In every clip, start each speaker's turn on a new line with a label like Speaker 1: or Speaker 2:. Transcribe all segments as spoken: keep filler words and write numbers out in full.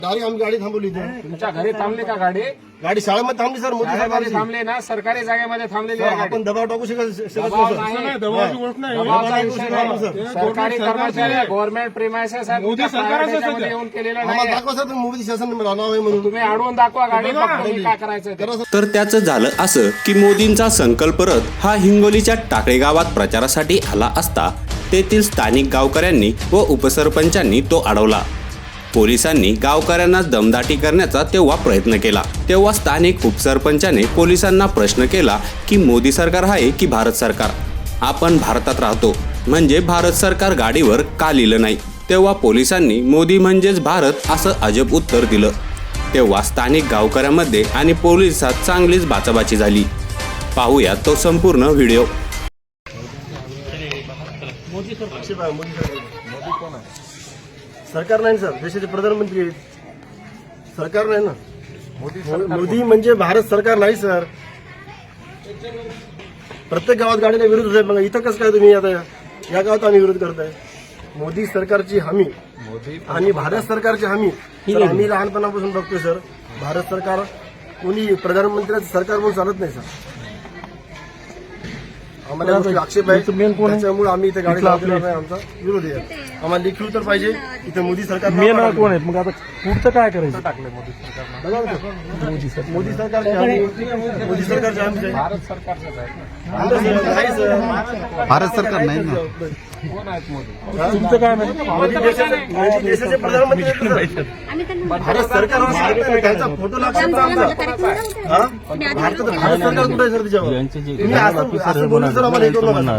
Speaker 1: Direct आम्ही गाडी थांबवली इथे.
Speaker 2: तुमच्या घरी थांबली का गाडी?
Speaker 1: गाडी शाळेमध्ये थांबली सर. मोदी
Speaker 2: शाळेमध्ये
Speaker 1: साहेबांची
Speaker 2: थांबले ना, सरकारी जागेमध्ये थांबलेली आहे गाडी.
Speaker 1: आपण दबाव टाकू शकत शकत
Speaker 2: दबाव
Speaker 1: नाही,
Speaker 2: नाही.
Speaker 1: सर.
Speaker 3: दबावाची गोष्ट नाही.
Speaker 2: दबावाचा
Speaker 1: हे
Speaker 2: विषय
Speaker 1: दबाव
Speaker 2: नाही.
Speaker 1: सर.
Speaker 2: सरकारी कर्मचारी गव्हर्नमेंट प्रिमायसेस आहेत,
Speaker 3: मोदी
Speaker 2: तुमच्या
Speaker 3: सरकारच
Speaker 2: private
Speaker 3: आहे
Speaker 2: याच्यामध्ये
Speaker 3: सध्या.
Speaker 2: येऊन केलेलं
Speaker 1: आम्हाला
Speaker 2: नाही.
Speaker 1: दाखवा सर तुम्ही मोदी शासन नाव आहे म्हणून.
Speaker 2: तुम्ही अडवून दाखवा गाडी, फक्त तुम्ही काय करायचं ते.
Speaker 1: करा सर.
Speaker 4: तर त्याचं झालं असं की मोदींचा संकल्प रथ हा हिंगोलीच्या टाकळे गावात प्रचारासाठी आला असता तेथील स्थानिक गावकऱ्यांनी व उपसरपंचांनी तो अडवला. पोलिसांनी गावकऱ्यांना दमदाटी करण्याचा तेव्हा प्रयत्न केला. तेव्हा स्थानिक उपसरपंचाने पोलिसांना प्रश्न केला की मोदी सरकार आहे की भारत सरकार? आपण भारतात राहतो म्हणजे भारत सरकार गाडीवर का लिहिलं नाही? तेव्हा पोलिसांनी मोदी म्हणजेच भारत असं अजब उत्तर दिलं. तेव्हा स्थानिक गावकऱ्यांमध्ये आणि पोलिसात चांगलीच बाचाबाची झाली. पाहूया तो संपूर्ण व्हिडिओ.
Speaker 1: मोदी सरकार मोदी कोण आहे? सरकार नाही सर, देशाचे प्रधानमंत्री आहेत. सरकार नाही ना. मोदी म्हणजे भारत सरकार नाही सर. प्रत्येक गावात गाडीला विरोध आहे. बघा इथं कसं काय तुम्ही आता या गावात आम्ही विरोध करताय. मोदी सरकारची हमी आणि भारत सरकारची हमी सर आम्ही लहानपणापासून बघतोय सर. भारत सरकार कोणी प्रधानमंत्र्याचं सरकार म्हणून चालत नाही सर. आम्हाला आक्षेप आहे त्याच्यामुळे आम्ही इथे गाडी लावणार नाही. आमचा विरोध आहे. आम्हाला लेखी उत्तर पाहिजे. इथे मोदी सरकार
Speaker 3: मेन कोण आहेत? मग आता पुढचं काय करायचं?
Speaker 2: टाकले मोदी सरकार,
Speaker 1: मोदी सरकार मोदी सरकारचे आम्ही मोदी सरकारचे आम्ही
Speaker 2: भारत सरकारचंच आहे ना.
Speaker 1: नाही सर,
Speaker 5: भारत सरकार नाही ना.
Speaker 2: कोण आहेत मोदी?
Speaker 3: तुमचं काय माहिती?
Speaker 1: मोदी देशाचे मोदी देशाचे प्रधानमंत्री आहेत सर. भारत सरकार त्यांचा फोटो लागतो आमचा. हा? भारत भारत सरकार कुठे आहे सर त्याच्यावर? तुम्ही असं असं बोलून सर आम्हाला हे करू नका.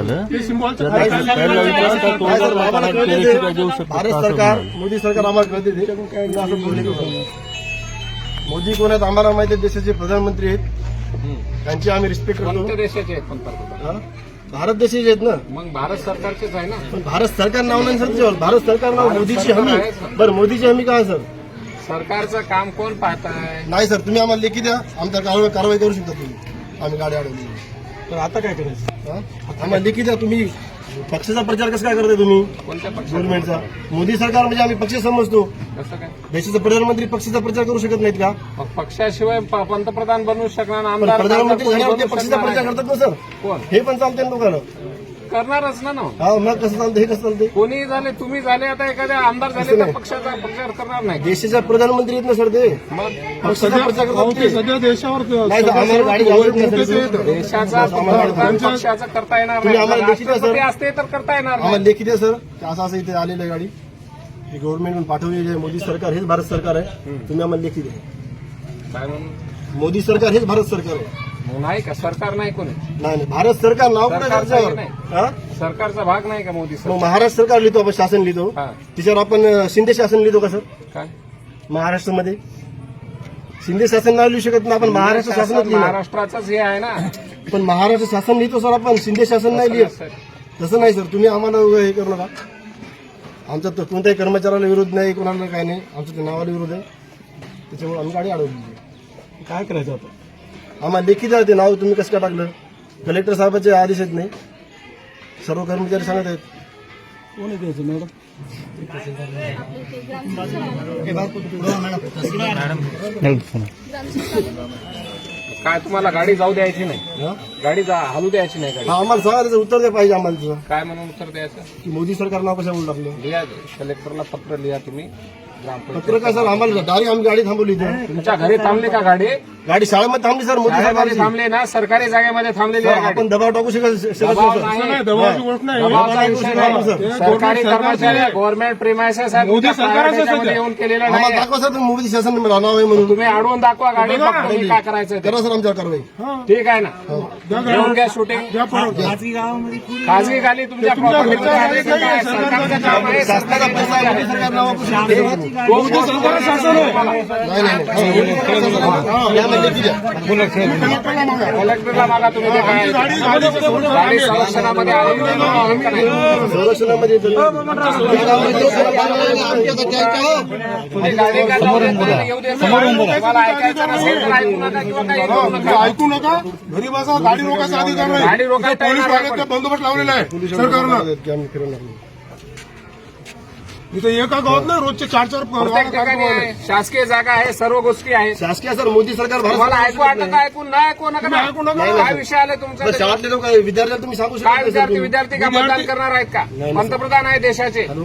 Speaker 1: भारत सरकार मोदी सरकार आम्हाला कळते ते. तुम्ही असं बोलले का? मोदी कोण आहेत आम्हाला माहिती आहे. देशाचे प्रधानमंत्री आहेत. त्यांची आम्ही रिस्पेक्ट करतो.
Speaker 2: कोणत्या देशाचे आहेत पंतप्रधान?
Speaker 1: हा? भारत देशाचे आहेत ना.
Speaker 2: मग भारत सरकारचेच आहे ना.
Speaker 1: पण भारत सरकार नाव नाही सर त्याच्यावर. भारत सरकार नाव मोदीची हमी. बरं मोदीची हमी काय सर?
Speaker 2: सरकारचं काम कोण पाहताय?
Speaker 1: नाही सर, तुम्ही आम्हाला लेखी द्या. आमच्या कारवाई कारवाई करू शकता तुम्ही. आम्ही गाडी अडवली
Speaker 3: तर आता काय करायचं?
Speaker 1: हा? आम्हाला लेखी द्या. तुम्ही पक्षाचा प्रचार कसं काय करताय तुम्ही?
Speaker 2: कोणत्या पक्षाचा?
Speaker 1: गव्हर्नमेंटचा. मोदी सरकार म्हणजे आम्ही पक्ष समजतो.
Speaker 2: कसं काय?
Speaker 1: देशाचे प्रधानमंत्री पक्षाचा प्रचार करू शकत नाहीत का?
Speaker 2: मग पक्षाशिवाय प- पंतप्रधान बनवू शकणार,
Speaker 1: पण
Speaker 2: आमदार
Speaker 1: प्रधानमंत्री
Speaker 2: कोणी
Speaker 1: झाल्यावर ते
Speaker 2: बनवू
Speaker 1: पक्षाचा
Speaker 2: शकणार
Speaker 1: प्रचार
Speaker 2: नाही.
Speaker 1: करतात ना सर.
Speaker 2: कोण
Speaker 1: हे पण चालते ना दोघांना.
Speaker 2: करणारच ना ना.
Speaker 1: हा मग कसं चालतं हे कसं चालते?
Speaker 2: कोणी झाले, तुम्ही झाले, आता एखाद्या आमदार झाले तर पक्षाचा प्रचार करणार नाही.
Speaker 1: देशाचा प्रधानमंत्री आहेत ना सर ते.
Speaker 2: मग
Speaker 1: पक्षाचा प्रचार करतात ते.
Speaker 3: सध्या देशावर
Speaker 1: नाही सर, आम्हाला गाडी घालत नाही सर.
Speaker 2: देशाचा पंतप्रधान पक्षाचं करता येणार
Speaker 1: तुम्ही
Speaker 2: नाही.
Speaker 1: आम्हाला लेखी द्या, सर.
Speaker 2: राष्ट्रपती असते तर करता येणार
Speaker 1: आम्हाला
Speaker 2: नाही.
Speaker 1: लेखी द्या सर. असं असं इथे आलेलं आहे गाडी. ही गव्हर्नमेंट पाठवलेली आहे. मोदी सरकार हेच भारत सरकार आहे. तुम्ही आम्हाला लेखी द्या.
Speaker 2: काय म्हणून?
Speaker 1: मोदी सरकार हेच भारत सरकार आहे.
Speaker 2: मग नाही का सरकार नाही कोणी?
Speaker 1: नाही नाही, भारत सरकार नाव कुठे
Speaker 2: सरकारचं
Speaker 1: त्याच्यावर?
Speaker 2: नाही.
Speaker 1: हा?
Speaker 2: सरकारचा भाग नाही का मोदी
Speaker 1: मग
Speaker 2: सरकार?
Speaker 1: महाराष्ट्र सरकार लिहितो आपण, शासन लिहितो.
Speaker 2: हा.
Speaker 1: त्याच्यावर आपण अं, शिंदे शासन लिहितो का सर?
Speaker 2: काय
Speaker 1: महाराष्ट्रामध्ये शिंदे शासन नाही लिहू शकत ना आपण. महाराष्ट्र शासनच लिहिणार.
Speaker 2: महाराष्ट्राचंच हे आहे ना.
Speaker 1: पण महाराष्ट्र शासन लिहितो सर आपण. शिंदे शासन नाही लिहित. तसं नाही सर. तुम्ही आम्हाला उगाच हे करू नका. आमचा तर कोणत्याही कर्मचाऱ्याला विरोध नाही, कोणाला काय नाही. आमच्या त्या नावाला विरोध आहे. त्याच्यामुळे आम्ही गाडी अडवली.
Speaker 3: काय करायचं आता?
Speaker 1: आम्हाला लेखी द्या ते नाव. तुम्ही कसं काय टाकलं? कलेक्टर साहेबांचे आदेश आहेत नाही. सर्व कर्मचारी सांगत आहेत.
Speaker 3: कोणी द्यायचं मॅडम?
Speaker 2: काय तुम्हाला गाडी जाऊ द्यायची नाही?
Speaker 1: हा?
Speaker 2: गाडी जा हलू द्यायची नाही गाडी.
Speaker 1: हा, आम्हाला सांगा त्याचं उत्तर द्या पाहिजे आम्हाला तुझं.
Speaker 2: काय म्हणून उत्तर द्यायचं?
Speaker 1: की मोदी सरकार नाव कशामुळे टाकलं?
Speaker 2: लिहा, कलेक्टरला पत्र लिहा तुम्ही. ग्रामपंचायत.
Speaker 1: पत्र काय सर आम्हाला डायरेक्ट आम्ही गाडी थांबवली इथे.
Speaker 2: तुमच्या घरी थांबली का गाडी?
Speaker 1: गाडी शाळेमध्ये थांबली सर. मोदी
Speaker 2: शाळेमध्ये
Speaker 1: साहेबांची.
Speaker 2: थांबले ना, सरकारी जागेमध्ये थांबलेली आहे गाडी.
Speaker 1: आपण दबाव टाकू शकत शकत
Speaker 2: दबाव
Speaker 1: नाही सर.
Speaker 2: नाही.
Speaker 3: नाही, दबावाची गोष्ट नाही.
Speaker 2: दबावाचा विषय नाही.
Speaker 1: सर.
Speaker 2: सरकारी कर्मचारी गव्हर्नमेंट प्रिमायसेस आहेत,
Speaker 3: मोदी
Speaker 2: तुमच्या
Speaker 3: सरकारच
Speaker 2: private
Speaker 3: आहे
Speaker 2: याच्यामध्ये
Speaker 3: सध्या.
Speaker 2: येऊन केलेलं
Speaker 1: आम्हाला
Speaker 2: नाही.
Speaker 1: दाखवा सर तुम्ही मोदी शासन नाव आहे म्हणून.
Speaker 2: तुम्ही अडवून दाखवा गाडी, फक्त तुम्ही काय करायचं ते.
Speaker 1: करा सर आमच्यावर कारवाई.
Speaker 2: ठीक आहे ना. घेऊन घ्या शूटिंग. खाजगी गाडी तुमच्या प्रॉपर्टीचं आहे का काय? सरकारचं काम आहे.
Speaker 1: शासनाचा पैसा आहे, मोदी सरकार नाव आपण शकतो.
Speaker 2: मोदी सरकारचं शासन आहे.
Speaker 1: नाही नाही नाही. यामध्ये लेखी द्या.
Speaker 2: कलेक्टरला मागा तुम्ही ते काय. गाडी संरक्षणामध्ये आली का नाही?
Speaker 1: संरक्षणामध्ये
Speaker 2: तुम्ही गाडी का लावली? येऊ दे. तुम्हाला ऐकायचं नसेल तर ऐकू नका किंवा काही करू नका.
Speaker 3: ऐकू नका. घरी बसा. गाडी रोखायचा अधिकार नाही.
Speaker 2: गाडी रोखायचा
Speaker 3: पोलीस
Speaker 2: अधिकार
Speaker 3: वाल्याचा बंदोबस्त लावलेला आहे सरकारनं.
Speaker 1: आम्ही फिरवणार नाही.
Speaker 3: इथं एका गावात नाही रोजचे चार चार
Speaker 2: प्रत्येक ठिकाणी आहे. शासकीय जागा आहे, सर्व गोष्टी आहेत.
Speaker 1: शासकीय सर मोदी सरकार भारत
Speaker 2: तुम्हाला
Speaker 1: सरकार
Speaker 2: ऐकू वाटत आहे, ऐकून नाही ऐकू नका ना.
Speaker 3: तुम्ही ऐकू नका.
Speaker 2: काय विषय आले तुमचा
Speaker 1: बरं, शाळेतले लोक विद्यार्थ्याला तुम्ही सांगू शकता
Speaker 2: काय
Speaker 1: का, सर,
Speaker 2: विद्यार्थी
Speaker 1: तुम्ही?
Speaker 2: विद्यार्थी का
Speaker 3: विद्यार्थी-
Speaker 2: मतदान करणार आहेत का?
Speaker 1: नाही,
Speaker 2: पंतप्रधान आहे देशाचे.
Speaker 1: हॅलो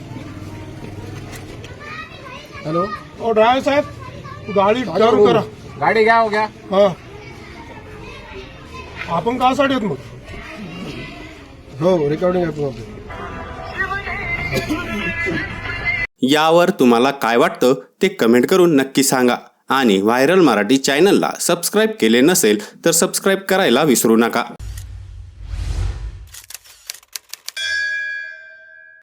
Speaker 1: हॅलो
Speaker 3: ओ ड्रायव्हर साहेब गाडी चालू करा.
Speaker 2: गाडी घ्या हो घ्या.
Speaker 3: हा आपण कासाठी येत मग
Speaker 1: हो रेकॉर्डिंग आहे तुम्हाला.
Speaker 4: यावर तुम्हाला काय वाटतं ते कमेंट करून नक्की सांगा आणि व्हायरल मराठी चॅनलला सबस्क्राईब केले नसेल तर सबस्क्राईब करायला विसरू नका.